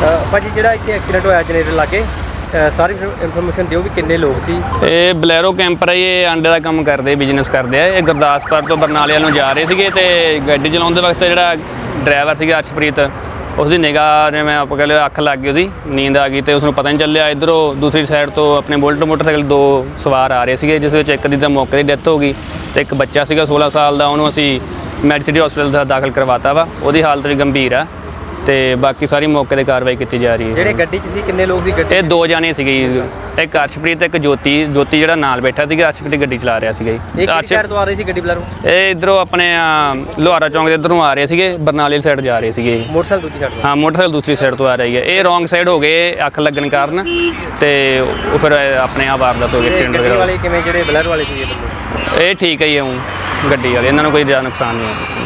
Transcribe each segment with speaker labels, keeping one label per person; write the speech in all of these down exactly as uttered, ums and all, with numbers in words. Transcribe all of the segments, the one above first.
Speaker 1: ਭਾਜੀ ਜਿਹੜਾ ਇੱਥੇ ਐਕਸੀਡੈਂਟ ਹੋਇਆ ਜਨਰੇਟਰ ਲਾਗੇ ਸਾਰੀ ਇਨਫੋਰਮੇਸ਼ਨ ਦਿਓ ਵੀ ਕਿੰਨੇ ਲੋਕ ਸੀ।
Speaker 2: ਇਹ ਬਲੈਰੋ ਕੈਂਪਰ ਹੈ, ਇਹ ਆਂਡੇ ਦਾ ਕੰਮ ਕਰਦੇ, ਬਿਜ਼ਨਸ ਕਰਦੇ ਆ। ਇਹ ਗੁਰਦਾਸਪੁਰ ਤੋਂ ਬਰਨਾਲੇ ਵੱਲ ਨੂੰ ਜਾ ਰਹੇ ਸੀਗੇ ਤੇ ਗੱਡੀ ਚਲਾਉਂਦੇ ਵਕਤ ਜਿਹੜਾ ਡਰਾਈਵਰ ਸੀਗਾ ਅਰਸ਼ਪ੍ਰੀਤ, ਉਸਦੀ ਨਿਗਾਹ ਜਿਵੇਂ ਆਪਾਂ ਕਹਿ ਲਓ ਅੱਖ ਲੱਗ ਗਈ, ਉਹਦੀ ਨੀਂਦ ਆ ਗਈ ਤੇ ਉਸਨੂੰ ਪਤਾ ਨਹੀਂ ਚੱਲਿਆ। ਇੱਧਰੋਂ ਦੂਸਰੀ ਸਾਈਡ ਤੋਂ ਆਪਣੇ ਬੁਲਟ ਮੋਟਰਸਾਈਕਲ ਦੋ ਸਵਾਰ ਆ ਰਹੇ ਸੀਗੇ, ਜਿਸ ਵਿੱਚ ਇੱਕ ਦੀ ਤਾਂ ਮੌਕੇ ਦੀ ਡੈਥ ਹੋ ਗਈ ਤੇ ਇੱਕ ਬੱਚਾ ਸੀਗਾ ਸੋਲਾਂ ਸਾਲ ਦਾ, ਉਹਨੂੰ ਅਸੀਂ ਮੈਡੀਸਿਟੀ ਹਸਪੀਟਲ ਦਾ ਦਾਖਲ ਕਰਵਾਤਾ ਵਾ। ਉਹਦੀ ਹਾਲਤ ਵੀ ਗੰਭੀਰ ਆ ਤੇ ਬਾਕੀ ਸਾਰੀ ਮੌਕੇ ਤੇ ਕਾਰਵਾਈ ਕੀਤੀ ਜਾ ਰਹੀ ਹੈ।
Speaker 1: ਜਿਹੜੇ ਗੱਡੀ 'ਚ ਸੀ ਕਿੰਨੇ ਲੋਕ ਸੀ ਗੱਡੀ? ਇਹ
Speaker 2: ਦੋ ਜਾਣੇ ਸੀਗੇ, ਇੱਕ ਅਰਸ਼ਪ੍ਰੀਤ ਤੇ ਇੱਕ ਜੋਤੀ। ਜੋਤੀ ਜਿਹੜਾ ਨਾਲ ਬੈਠਾ ਸੀਗਾ, ਅਰਸ਼ਪ੍ਰੀਤ ਗੱਡੀ ਚਲਾ ਰਿਹਾ ਸੀਗਾ ਜੀ।
Speaker 1: ਕਿਹੜੀ ਸਾਈਡ ਤੋਂ ਆ ਰਹੀ ਸੀ ਗੱਡੀ ਬਲੈਰੋ?
Speaker 2: ਇਹ ਇੱਧਰੋਂ ਆਪਣੇ ਲੋਹਾਰਾ ਚੌਂਕ ਦੇ ਇੱਧਰੋਂ ਆ ਰਹੇ ਸੀਗੇ, ਬਰਨਾਲੇ ਸਾਈਡ ਜਾ ਰਹੇ ਸੀਗੇ।
Speaker 1: ਮੋਟਰਸਾਈਕਲ ਦੂਜੀ ਸਾਈਡ ਤੋਂ?
Speaker 2: ਹਾਂ, ਮੋਟਰਸਾਈਕਲ ਦੂਸਰੀ ਸਾਈਡ ਤੋਂ ਆ ਰਹੀ ਹੈ। ਇਹ ਰੋਂਗ ਸਾਈਡ ਹੋ ਗਏ ਅੱਖ ਲੱਗਣ ਕਾਰਨ ਤੇ ਉਹ ਫਿਰ ਆਪਣੇ ਆਪ ਵਾਰਦਾਤ ਹੋ ਗਈ, ਐਕਸੀਡੈਂਟ
Speaker 1: ਵਗੈਰਾ। ਵਾਲੇ ਕਿਵੇਂ ਜਿਹੜੇ ਬਲੈਰੋ ਵਾਲੇ ਸੀਗੇ ਬੰਦੇ?
Speaker 2: ਇਹ ਠੀਕ ਹੈ ਜੀ, ਉਹ ਗੱਡੀ ਵਾਲੇ, ਇਹਨਾਂ ਨੂੰ ਕੋਈ ਜ਼ਿਆਦਾ ਨੁਕਸਾਨ ਨਹੀਂ ਹੋਇਆ।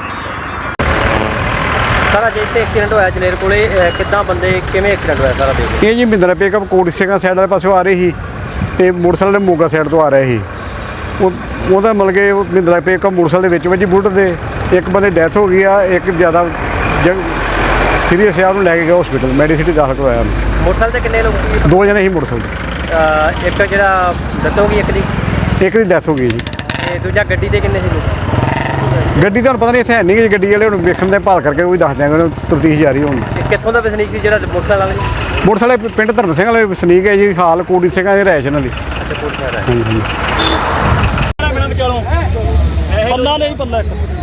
Speaker 1: ਸਾਰਾ ਜੇ ਇੱਥੇ ਐਕਸੀਡੈਂਟ ਹੋਇਆ ਜਨੇਰ ਕੋਲੇ, ਕਿੱਦਾਂ ਬੰਦੇ ਕਿਵੇਂ ਐਕਸੀਡੈਂਟ ਹੋਇਆ ਸਾਰਾ ਦੇਖ?
Speaker 3: ਇਹ ਜੀ ਮਹਿੰਦਰਾ ਪਿਕਅਪ ਕੋਟ ਸਿੰਘਾਂ ਸਾਈਡ ਵਾਲੇ ਪਾਸੋਂ ਆ ਰਹੀ ਸੀ ਤੇ ਮੋਟਰਸਾਈਕਲ ਮੋਗਾ ਸਾਈਡ ਤੋਂ ਆ ਰਿਹਾ ਸੀ। ਉਹ ਉਹਦਾ ਮਤਲਬ ਕਿ ਉਹ ਮਹਿੰਦਰਾ ਪਿਕਅਪ ਮੋਟਰਸਾਈਕਲ ਦੇ ਵਿੱਚ ਵੱਜੀ ਬੁਲਟ ਦੇ। ਇੱਕ ਬੰਦੇ ਡੈਥ ਹੋ ਗਈ ਆ, ਇੱਕ ਜ਼ਿਆਦਾ ਸੀਰੀਅਸ ਆ, ਉਹਨੂੰ ਲੈ ਕੇ ਗਿਆ ਹਸਪੀਟਲ, ਮੈਡੀਸਿਟੀ ਦਾਖਲ ਕਰਵਾਇਆ।
Speaker 1: ਮੋਟਰਸਾਈਕਲ ਤੇ ਕਿੰਨੇ ਲੋਕ ਸੀ?
Speaker 3: ਦੋ ਜਣੇ ਸੀ ਮੋਟਰਸਾਈਕਲ ਤੇ।
Speaker 1: ਇੱਕ ਜਿਹੜਾ ਡੈਥ ਹੋ ਗਈ, ਇੱਕ ਦੀ
Speaker 3: ਇੱਕ ਦੀ ਡੈਥ ਹੋ ਗਈ ਜੀ।
Speaker 1: ਤੇ ਦੂਜਾ ਗੱਡੀ ਤੇ ਕਿੰਨੇ ਸੀ ਲੋਕ?
Speaker 3: ਗੱਡੀ ਤੁਹਾਨੂੰ ਪਤਾ ਨਹੀਂ ਇੱਥੇ ਹੈ ਨਹੀਂ ਜੀ, ਗੱਡੀ ਵਾਲੇ ਹੁਣ ਵੇਖਣ ਦੇ ਭਾਲ ਕਰਕੇ ਉਹ ਦੱਸ ਦਿਆਂਗੇ, ਤਫਤੀਸ਼ ਜਾਰੀ ਹੋਣੀ।
Speaker 1: ਕਿੱਥੋਂ ਦਾ ਵਸਨੀਕ ਸੀ ਜਿਹੜਾ ਮੋਟਰਸਾਈਕਲ ਵਾਲਾ?
Speaker 3: ਮੋਟਰਸਾਈਕਲ ਪਿੰਡ ਧਰਮ ਸਿੰਘ ਵਾਲੇ ਵਸਨੀਕ ਹੈ ਜੀ, ਹਾਲ ਕੋਟੀ ਸਿੰਘਾਂ ਦੇ ਰਹਿਸ਼ ਇਹਨਾਂ ਦੀ।
Speaker 1: ਅੱਛਾ, ਕੋਟ ਸਾਹਿਬ ਹੈ।
Speaker 3: ਹਾਂਜੀ ਹਾਂਜੀ।
Speaker 4: ਪੱਲਾ ਨਹੀਂ ਪੱਲਾ